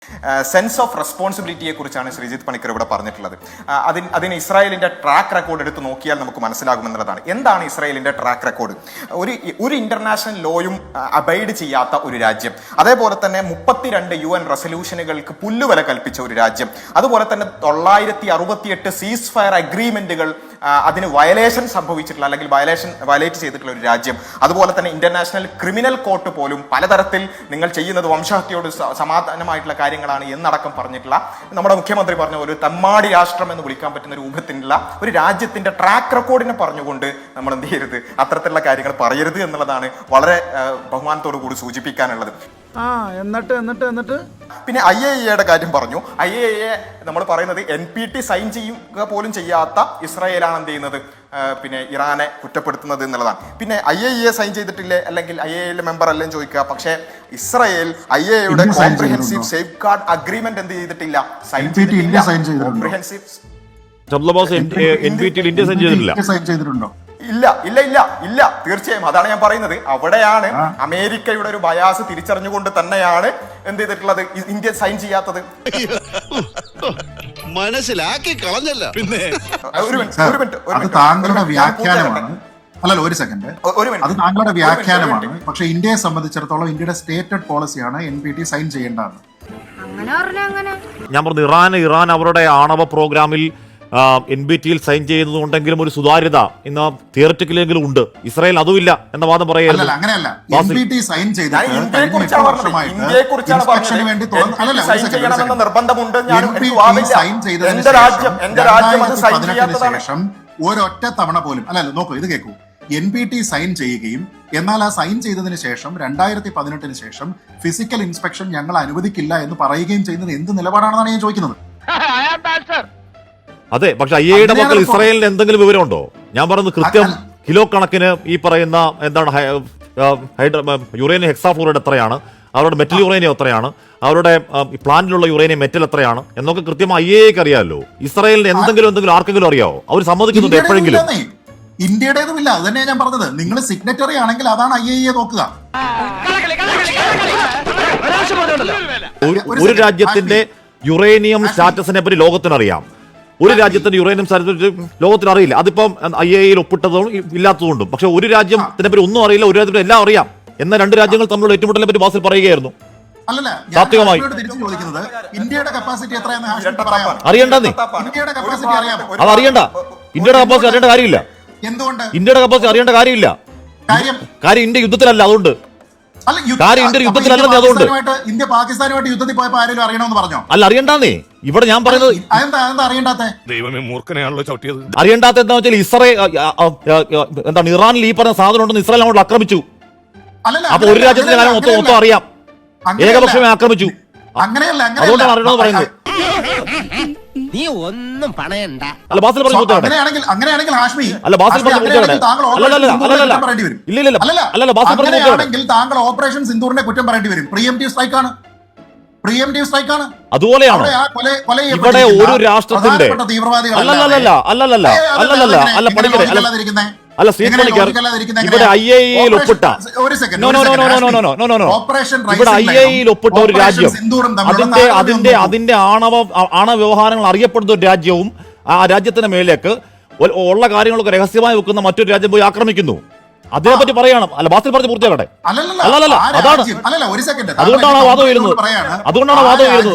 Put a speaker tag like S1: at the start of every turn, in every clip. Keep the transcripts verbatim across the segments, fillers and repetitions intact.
S1: Sense of റെസ്പോൺസിബിലിറ്റിയെ കുറിച്ചാണ് ശ്രീജിത്ത് പണിക്കർ ഇവിടെ പറഞ്ഞിട്ടുള്ളത്. അതിന് അതിന് ഇസ്രായേലിന്റെ ട്രാക്ക് റെക്കോർഡ് എടുത്ത് നോക്കിയാൽ നമുക്ക് മനസ്സിലാകുമെന്നുള്ളതാണ്. എന്താണ് ഇസ്രായേലിന്റെ ട്രാക്ക് റെക്കോർഡ്? ഒരു ഒരു ഇന്റർനാഷണൽ ലോയും അബൈഡ് ചെയ്യാത്ത ഒരു രാജ്യം, അതേപോലെ തന്നെ മുപ്പത്തിരണ്ട് യു എൻ റെസൊല്യൂഷനുകൾക്ക് പുല്ലുവില കൽപ്പിച്ച ഒരു രാജ്യം, അതുപോലെ തന്നെ തൊള്ളായിരത്തി അറുപത്തിയെട്ട് സീസ് ഫയർ അഗ്രിമെന്റുകൾ അതിന് വയലേഷൻ സംഭവിച്ചിട്ടുള്ള അല്ലെങ്കിൽ വയലേഷൻ വയലേറ്റ് ചെയ്തിട്ടുള്ള ഒരു രാജ്യം, അതുപോലെ തന്നെ ഇന്റർനാഷണൽ ക്രിമിനൽ കോർട്ട് പോലും പലതരത്തിൽ നിങ്ങൾ ചെയ്യുന്നത് വംശഹത്യയോട് സമാധാനമായിട്ടുള്ള കാര്യങ്ങളാണ് എന്നടക്കം പറഞ്ഞിട്ടുള്ള നമ്മുടെ മുഖ്യമന്ത്രി പറഞ്ഞ ഒരു തമ്മാടി രാഷ്ട്രം എന്ന് വിളിക്കാൻ പറ്റുന്ന രൂപത്തിലുള്ള ഒരു രാജ്യത്തിന്റെ ട്രാക്ക് റെക്കോർഡിനെ പറഞ്ഞുകൊണ്ട് നമ്മൾ എന്ത് ചെയ്യരുത്, അത്തരത്തിലുള്ള കാര്യങ്ങൾ പറയരുത് എന്നുള്ളതാണ് വളരെ ബഹുമാനത്തോടു കൂടി സൂചിപ്പിക്കാനുള്ളത്.
S2: ആ എന്നിട്ട് എന്നിട്ട് എന്നിട്ട്
S1: പിന്നെ ഐ എ ഇയുടെ കാര്യം പറഞ്ഞു. ഐ എ ഇയെ നമ്മൾ പറയുന്നത് എൻ പി ടി സൈൻ ചെയ്യുക പോലും ചെയ്യാത്ത ഇസ്രായേലാണ് എന്ത് ചെയ്യുന്നത്, പിന്നെ ഇറാനെ കുറ്റപ്പെടുത്തുന്നത് എന്നുള്ളതാണ്. പിന്നെ ഐ എ ഇയെ സൈൻ ചെയ്തിട്ടില്ലേ അല്ലെങ്കിൽ ഐ എ ഇയിലെ മെമ്പർ അല്ലെന്ന് ചോദിക്കുക. പക്ഷേ ഇസ്രായേൽ ഐ എ ഇയുടെ കോംപ്രിഹെൻസീവ് സേഫ് ഗാർഡ് അഗ്രിമെന്റ് എന്ത് ചെയ്തിട്ടില്ല, സൈൻ ചെയ്തിട്ടില്ല. കോംപ്രിഹെൻസീവ്
S3: ചെയ്തിട്ടുണ്ടോ?
S1: ഇല്ല ഇല്ല ഇല്ല ഇല്ല തീർച്ചയായും അതാണ് ഞാൻ പറയുന്നത്. അവിടെയാണ് അമേരിക്കയുടെ ഒരു ബയാസ് തിരിച്ചറിഞ്ഞുകൊണ്ട് തന്നെയാണ് എന്ത് ചെയ്തിട്ടുള്ളത്, ഇന്ത്യ സൈൻ ചെയ്യാത്തത്.
S4: മനസ്സിലാക്കി കളഞ്ഞല്ല. പിന്നെ
S3: ഒരു മിനിറ്റ്, അത് താങ്കളുടെ വ്യാഖ്യാനമാണ്. അല്ലല്ലോ, ഒരു സെക്കൻഡ്, അത് താങ്കളുടെ വ്യാഖ്യാനമാണ്. പക്ഷെ ഇന്ത്യയെ സംബന്ധിച്ചിടത്തോളം ഇന്ത്യയുടെ സ്റ്റേറ്റഡ് പോളിസിയാണ് എൻ പി ടി സൈൻ ചെയ്യേണ്ടത്.
S5: ഞാൻ പറഞ്ഞു ഇറാൻ ഇറാൻ അവരുടെ ആണവ പ്രോഗ്രാമിൽ എൻ ബി ടിയിൽ സൈൻ ചെയ്യുന്നതുകൊണ്ടെങ്കിലും ഒരു സുതാര്യത ഇന്ന് തിയററ്റിക്കലെങ്കിലും ഉണ്ട്. ഇസ്രായേൽ അതുമില്ല എന്ന വാദം പറയുന്നത്
S3: അങ്ങനെയല്ല. എൻ പി ടി സൈൻ ശേഷം ഒരൊറ്റ തവണ പോലും അല്ലല്ലോ, നോക്കൂ, ഇത് കേൾക്കൂ. എൻ പി ടി സൈൻ ചെയ്യുകയും എന്നാൽ ആ സൈൻ ചെയ്തതിന് ശേഷം രണ്ടായിരത്തി പതിനെട്ടിന് ശേഷം ഫിസിക്കൽ ഇൻസ്പെക്ഷൻ ഞങ്ങൾ അനുവദിക്കില്ല എന്ന് പറയുകയും ചെയ്യുന്നത് എന്ത് നിലപാടാണെന്നാണ് ഞാൻ ചോദിക്കുന്നത്.
S5: അതെ, പക്ഷെ ഐ എയുടെ മക്കൾ ഇസ്രായേലിന് എന്തെങ്കിലും വിവരമുണ്ടോ? ഞാൻ പറയുന്നത് കൃത്യം കിലോ കണക്കിന് ഈ പറയുന്ന എന്താണ് യുറേനിയം ഹെക്സാഫ്ലൂറൈഡ് എത്രയാണ്, അവരുടെ മെറ്റൽ യുറേനിയം എത്രയാണ്, അവരുടെ പ്ലാന്റിലുള്ള യുറേനിയം മെറ്റൽ എത്രയാണ് എന്നൊക്കെ കൃത്യമായി ഐ എക്ക് അറിയാമല്ലോ. ഇസ്രായേലിന് എന്തെങ്കിലും എന്തെങ്കിലും ആർക്കെങ്കിലും അറിയാവോ? അവർ സമ്മതിക്കുന്നുണ്ട് എപ്പോഴെങ്കിലും?
S3: ഇന്ത്യയുടേതുമില്ല. അത് തന്നെയാണ് ഞാൻ പറഞ്ഞത്. നിങ്ങൾ സിഗ്നറ്ററി ആണെങ്കിൽ അതാണ് ഐ എ നോക്കുക.
S5: ഒരു രാജ്യത്തിന്റെ യുറേനിയം സ്റ്റാറ്റസിനെ പറ്റി ലോകത്തിനറിയാം, ഒരു രാജ്യത്തിന്റെ യുറേനിയം സ്റ്റാറ്റസ് ലോകത്തിന് അറിയില്ല. അതിപ്പം ഐ എയിൽ ഒപ്പിട്ടതും ഇല്ലാത്തതുകൊണ്ടും. പക്ഷെ ഒരു രാജ്യത്തിനെ പറ്റി ഒന്നും അറിയില്ല, ഒരു രാജ്യത്തിന് എല്ലാം അറിയാം എന്ന രണ്ട് രാജ്യങ്ങൾ തമ്മിലുള്ള ഏറ്റുമുട്ടലിനെ പറ്റി ബാസിൽ പറയുകയായിരുന്നു. സാത്വികമായി
S3: ഇന്ത്യയുടെ കപ്പാസിറ്റി
S5: അറിയണ്ടെന്നേ, അത് അറിയണ്ട. ഇന്ത്യയുടെ കപ്പാസിറ്റി അറിയേണ്ട കാര്യമില്ല.
S3: എന്തുകൊണ്ട്
S5: ഇന്ത്യയുടെ കപ്പാസിറ്റി അറിയേണ്ട കാര്യമില്ല? കാര്യം ഇന്ത്യ യുദ്ധത്തിലല്ല, അതുകൊണ്ട് കാര്യം ഇന്ത്യ യുദ്ധത്തിലല്ലെന്നേ, അതുകൊണ്ട്
S3: ഇന്ത്യ പാകിസ്ഥാനുമായിട്ട് യുദ്ധത്തിൽ പോയപ്പോൾ ആരെങ്കിലും അറിയണമെന്ന് പറഞ്ഞോ?
S5: അല്ല, അറിയണ്ടാന്നേ. ഇവിടെ ഞാൻ പറയുന്നത് അറിയണ്ടാത്ത എന്താ വെച്ചാൽ ഇസ്രായേൽ എന്താണ് ഇറാനിൽ ഈ പറഞ്ഞ സാധനം ഉണ്ടെന്ന് ഇസ്രായേൽ അങ്ങോട്ട് ആക്രമിച്ചു. അപ്പൊ ഒരു രാജ്യത്തിന്റെ കാര്യം മൊത്തം മൊത്തം അറിയാം, ഏകപക്ഷമേ ആക്രമിച്ചു. അതുകൊണ്ടാണ് അറിയണമെന്ന് പറയുന്നത്.
S4: നീ ഒന്നും പണയണ്ട.
S5: അല്ല, ബാസിൽ പറഞ്ഞു
S3: അങ്ങനെയാണെങ്കിൽ അങ്ങനെയാണെങ്കിൽ ഹാഷ്മി
S5: അല്ല ബാസിൽ പറഞ്ഞു അല്ലല്ല ബാസിൽ പറഞ്ഞു
S3: താങ്കൾ ഓപ്പറേഷൻ സിന്ദൂറിനെ കുറ്റം പറയേണ്ടി വരും. പ്രീഎംപ്റ്റീവ് സ്ട്രൈക്ക് ആണ്, പ്രീഎംപ്റ്റീവ് സ്ട്രൈക്ക് ആണ്.
S5: അതുപോലെയാണ് ഇവിടെ ഒരു രാഷ്ട്രത്തിന്റെ അല്ലല്ല അല്ലല്ല അല്ലല്ല അല്ല പഠിക്കണേ അല്ല സീറ്റ് പണിക്കർ ഇവിടെ ഐ എ ഇയിൽ ഒപ്പിട്ട ഇവിടെ ഐ എ ഇയിൽ ഒപ്പിട്ട ഒരു രാജ്യം, അതിന്റെ അതിന്റെ അതിന്റെ ആണവ ആണവ വ്യവഹാരങ്ങൾ അറിയപ്പെടുന്ന ഒരു രാജ്യവും ആ രാജ്യത്തിന്റെ മേലേക്ക് ഉള്ള കാര്യങ്ങളൊക്കെ രഹസ്യമായി വെക്കുന്ന മറ്റൊരു രാജ്യം പോയി ആക്രമിക്കുന്നു. അതിനെ പറ്റി പറയണം. അല്ല, ബാസിൽ പറഞ്ഞ് പൂർത്തിയാക്കട്ടെ. അല്ലല്ല അതാണ്, അതുകൊണ്ടാണ് ആ വാദം ഉയരുന്നത്. അതുകൊണ്ടാണ് വാദം ഉയരുന്നത്.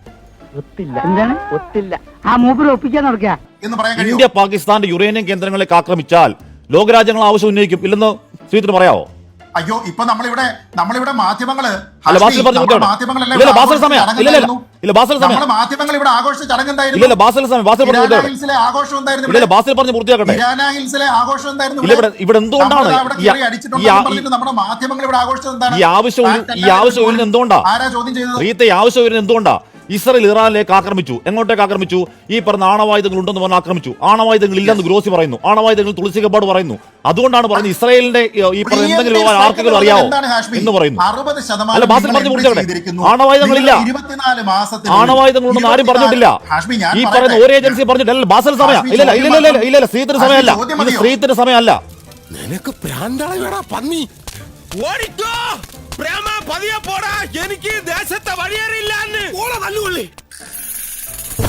S5: ഇന്ത്യ പാകിസ്ഥാന്റെ യുറേനിയം കേന്ദ്രങ്ങളിലേക്ക് ആക്രമിച്ചാൽ ലോകരാജ്യങ്ങൾ ആവശ്യം ഉന്നയിക്കും. ഇല്ലെന്ന് ശ്രീജിത്തിന് പറയാവോ?
S3: അയ്യോ, ഇപ്പൊ നമ്മളിവിടെ നമ്മളിവിടെ മാധ്യമങ്ങള്
S5: മാധ്യമങ്ങൾ
S3: ഇവിടെ ആഘോഷ ചടങ്ങുണ്ടായിരുന്നു. ആഘോഷം
S5: പൂർത്തിയാക്കട്ടെ.
S3: ആഘോഷം
S5: ഇവിടെ എന്തുകൊണ്ടാണ്
S3: നമ്മുടെ മാധ്യമങ്ങൾ ഇവിടെ ആഘോഷം എന്താണ്?
S5: ഈ ആവശ്യം ഈ ആവശ്യം വരുന്നത് എന്തുകൊണ്ടാ?
S3: ആരാ ചോദ്യം ചെയ്യുന്നത്?
S5: റീത്തെ ആവശ്യം വരുന്നത് എന്തുകൊണ്ടാ? ഇസ്രായേൽ ഇറാനിലേക്ക് ആക്രമിച്ചു. എങ്ങോട്ടേക്ക് ആക്രമിച്ചു? ഈ പറഞ്ഞ ആണവായുധങ്ങൾ ഉണ്ടെന്ന് പറഞ്ഞ് ആക്രമിച്ചു. ആണവായുധങ്ങൾ ഇല്ലെന്ന് ഗ്രോസി പറയുന്നു, ആണവായുധങ്ങൾ തുളസി കബാഡ് പറയുന്നു. അതുകൊണ്ടാണ് പറഞ്ഞത് ഇസ്രായേലിന്റെ ഈ പറഞ്ഞ എന്തെങ്കിലും ആർക്കെങ്കിലും അറിയാവോ എന്ന് പറയുന്നു. അല്ല, ബാസിൽ പറഞ്ഞു പൂർത്തിയാക്കട്ടെ. ആണവായുധങ്ങളില്ല, ആണവായുധങ്ങൾ ഉണ്ടെന്ന് ആരും പറഞ്ഞിട്ടില്ല. ഈ പറയുന്ന ഒരു ഏജൻസി പറഞ്ഞിട്ടില്ല. ബാസിൽ സമയം ഇല്ല ഇല്ല ഇല്ല ഇല്ല സ്ത്രീത്തിന് സമയമല്ല, ഇത് സ്ത്രീത്തിന് സമയമല്ല.
S4: നിനക്ക് പ്രാന്താളി വേടാ പന്നി. ഓടിക്കോ.
S6: പ്രേമ പതിയെ പോടാ, എനിക്ക് ദേശത്തെ വഴിയേറിയില്ല.